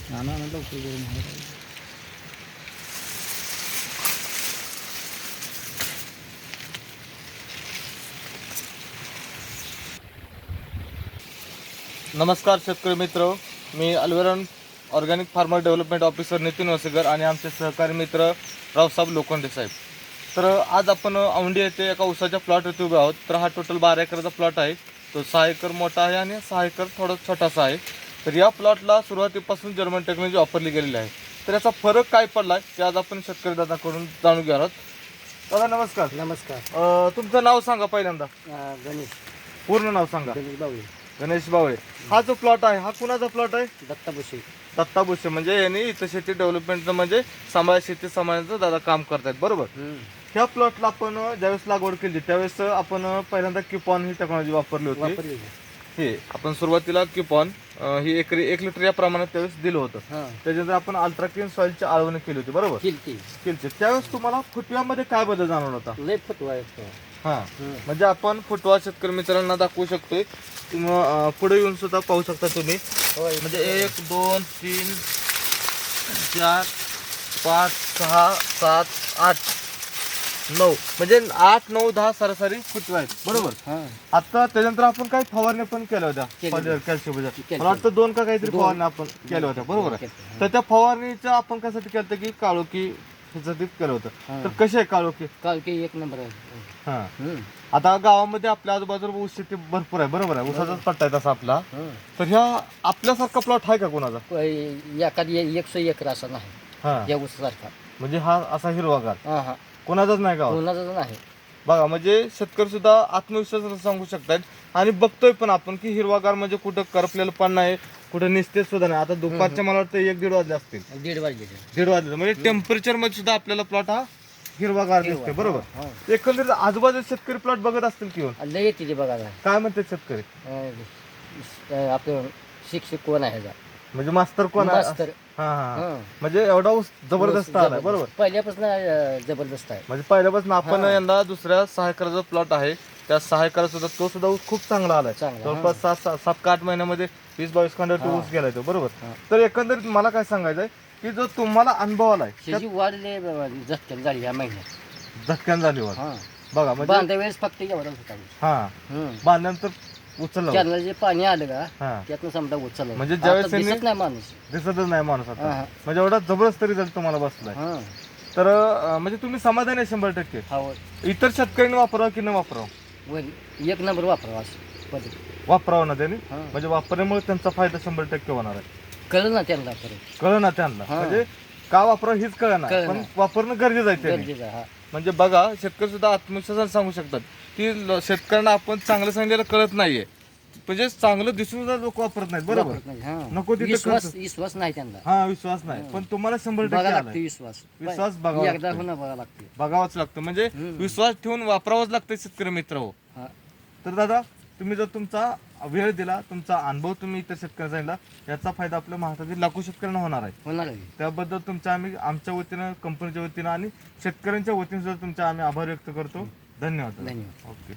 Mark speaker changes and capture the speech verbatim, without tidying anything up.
Speaker 1: नाना ना लवकर करून आहे.
Speaker 2: नमस्कार शेतकरी मित्र, मी अल्वेरन organic farmer development officer Nitin Wasekar आणि आमचे सहकारी मित्र रावसाहेब लोखंडे साहेब. तर आज आपण औंढी येथे एका उसाच्या प्लॉटवरती उभे आहोत. तर हा टोटल बारा एकरचा प्लॉट आहे. तो सहा एकर मोठा आहे आणि सहा एकर थोडा छोटासा आहे. तर या प्लॉटला सुरुवातीपासून जर्मन टेक्नॉलॉजी वापरली गेलेली आहे. तर याचा फरक काय पडला आहे ते आज आपण शेतकरी दादाकडून जाणून घेणार आहोत. दादा नमस्कार.
Speaker 1: नमस्कार.
Speaker 2: अं, तुमचं नाव सांगा पहिल्यांदा.
Speaker 1: अं, गणेश
Speaker 2: पूर्ण नाव सांगा.
Speaker 1: गणेश बावळे,
Speaker 2: गणेश बावळे. हा जो प्लॉट आहे हा कुणाचा प्लॉट आहे?
Speaker 1: दत्ता भुसे.
Speaker 2: दत्ता भुसे म्हणजे यांनी इथं शेती डेव्हलपमेंटचं म्हणजे सांभाळ शेती सांभाळण्याचं दादा काम करतायत, बरोबर. ह्या प्लॉटला आपण ज्यावेळेस लागवड केली त्यावेळेस आपण पहिल्यांदा किपॉन ही टेक्नॉलॉजी वापरली होती.
Speaker 1: वापरली.
Speaker 2: हे आपण सुरुवातीला किपॉन ही एकरी एक लिटर या प्रमाणात त्यावेळेस दिलं होतं. त्याच्यानंतर आपण अल्ट्राक्लीन सॉइलची आळवणी केली होती, बरोबर.
Speaker 1: किलती
Speaker 2: केली. त्यावेळेस तुम्हाला फुटव्यामध्ये काय बदल जाणवला होता?
Speaker 1: लय फुटवा आहे.
Speaker 2: हा, म्हणजे आपण फुटवा शेतकरी मित्रांना दाखवू शकतोय. तुम्ही पुढे येऊन सुद्धा पाहू शकता तुम्ही. म्हणजे एक दोन तीन चार पाच सहा सात आठ नऊ म्हणजे आठ नऊ दहा सरासरी फुटवे आहेत, बरोबर. आता त्याच्यानंतर आपण काही फवारण्या पण केल्या होत्या कॅल्शियमच्या. मला वाटतं दोन का काहीतरी फवारण्या आपण केल्या होत्या, बरोबर आहे. तर त्या फवारणीच्या आपण कशासाठी केलं की काळोखी ह्याच्यासाठी केलं होतं. तर कशी आहे काळोखी?
Speaker 1: काळोखी एक नंबर आहे.
Speaker 2: हा, आता गावामध्ये आपल्या आजूबाजूला ऊस शेती भरपूर आहे, बरोबर आहे. ऊसाचाच पट्टा आहे तसा आपला. तर ह्या आपल्यासारखा प्लॉट आहे का कोणाचा?
Speaker 1: एखादी एकशे एकर असा नाही
Speaker 2: हा,
Speaker 1: या ऊसासारखा.
Speaker 2: म्हणजे हा असा हिरवागार
Speaker 1: हा हा
Speaker 2: कोणाचाच नाही गावात.
Speaker 1: कोणाचाच नाही.
Speaker 2: बघा, म्हणजे शेतकरी सुद्धा आत्मविश्वासानं सांगू शकतात आणि बघतोय पण आपण की हिरवागार म्हणजे कुठं करपलेलं पण नाही, कुठं निस्तेज सुद्धा नाही. आता दुपारच्या मला वाटतं एक दीड वाजले असतील,
Speaker 1: दीड वाजले.
Speaker 2: दीड वाजले म्हणजे टेम्परेचर मध्ये सुद्धा आपल्याला प्लॉट हा हिरवागार दिसतोय, बरोबर. एकंदरीत आजूबाजूला शेतकरी प्लॉट बघत असतील किंवा
Speaker 1: लय येते ते बघायला.
Speaker 2: काय म्हणतात शेतकरी?
Speaker 1: अं, आपलं शिक्षक कोण आहे ह्याचा?
Speaker 2: म्हणजे मास्तर कोण आहे?
Speaker 1: मास्तर.
Speaker 2: हा हा,
Speaker 1: हं.
Speaker 2: म्हणजे एवढा ऊस जबरदस्त आलाय, बरोबर.
Speaker 1: पहिल्यापासून अं, जबरदस्त आहे.
Speaker 2: म्हणजे पहिल्यापासून आपण
Speaker 1: हा.
Speaker 2: यंदा दुसऱ्या सहा एकराचा प्लॉट आहे त्या सहा एकराचा सुद्धा तो सुद्धा ऊस खूप चांगला आलाय.
Speaker 1: चांगला,
Speaker 2: जवळपास सात सात सात का आठ महिन्यामध्ये वीस बावीस कांड्यावरती
Speaker 1: हा.
Speaker 2: ऊस गेलाय तो, बरोबर.
Speaker 1: हा.
Speaker 2: तर एकंदरीत मला काय सांगायचंय की जो तुम्हाला अनुभव आलाय
Speaker 1: त्याची वाढ लय झटक्यान झाली या महिन्यात.
Speaker 2: झटक्यान झाली वाढ.
Speaker 1: हा.
Speaker 2: बघा म्हणजे
Speaker 1: बांधा वेळेस फक्त एवढा होता.
Speaker 2: हा, बांधल्यानंतर उचलला.
Speaker 1: त्यांना जे पाणी आलं का
Speaker 2: हा,
Speaker 1: त्यातनं समजा उचललं.
Speaker 2: म्हणजे ज्यावेळेस
Speaker 1: आता दिसत
Speaker 2: त्यांनी-
Speaker 1: नाही माणूस.
Speaker 2: दिसतच नाही माणूस आता.
Speaker 1: हा.
Speaker 2: म्हणजे एवढा जबरदस्त रिझल्ट तुम्हाला बसलाय.
Speaker 1: हा.
Speaker 2: तर अं, म्हणजे तुम्ही समाधानी आहे शंभर टक्के.
Speaker 1: हा.
Speaker 2: इतर शेतकऱ्यांनी वापरावं की न वापरावं?
Speaker 1: वर- एक नंबर वापरावा असं पद्धत.
Speaker 2: वापरावं ना त्यांनी.
Speaker 1: हा.
Speaker 2: म्हणजे वापरल्यामुळे त्यांचा फायदा शंभर टक्के होणार आहे.
Speaker 1: कळलं ना त्यांना परत.
Speaker 2: कळलं ना त्यांना.
Speaker 1: हा.
Speaker 2: म्हणजे का वापरावं हीच कळलं ना,
Speaker 1: कळलं
Speaker 2: पण
Speaker 1: ना.
Speaker 2: वापरणं गरजेचं आहे त्यांनी.
Speaker 1: गरजेचं आहे. हा.
Speaker 2: म्हणजे बघा, शेतकरी सुद्धा आत्मविश्वासाने सांगू शकतात की ल- शेतकऱ्यांना आपण चांगलं सांगितलेलं कळत नाहीये. म्हणजे चांगलं दिसून सुद्धा लोक वापरत नाहीत, बरोबर.
Speaker 1: वापरत नाही. हा.
Speaker 2: नको तिथे
Speaker 1: विश्वास
Speaker 2: खर्च.
Speaker 1: विश्वास नाही त्यांना.
Speaker 2: हा, विश्वास नाही. पण तुम्हाला शंभर टक्के
Speaker 1: बघा
Speaker 2: आलाय.
Speaker 1: लागते विश्वास.
Speaker 2: विश्वास बघावा
Speaker 1: एकदा
Speaker 2: लागतो.
Speaker 1: होणं बघा लागते.
Speaker 2: बघावंच लागतं. म्हणजे
Speaker 1: हम्म.
Speaker 2: विश्वास ठेवून वापरावंच लागतं शेतकरी मित्र हो.
Speaker 1: हा.
Speaker 2: तर दादा, तुम्ही जर तुमचा वेळ दिला, तुमचा अनुभव तुम्ही इतर शेतकऱ्यांना सांगितला, याचा फायदा आपल्या महाराष्ट्रातील लाखो शेतकऱ्यांना होणार आहे.
Speaker 1: होणार आहे.
Speaker 2: त्याबद्दल तुमच्या आम्ही आमच्या वतीनं, कंपनीच्या वतीनं आणि शेतकऱ्यांच्या वतीनं सुद्धा तुमचा आम्ही आभार व्यक्त करतो. धन्यवाद.
Speaker 1: धन्यवाद.
Speaker 2: ओके.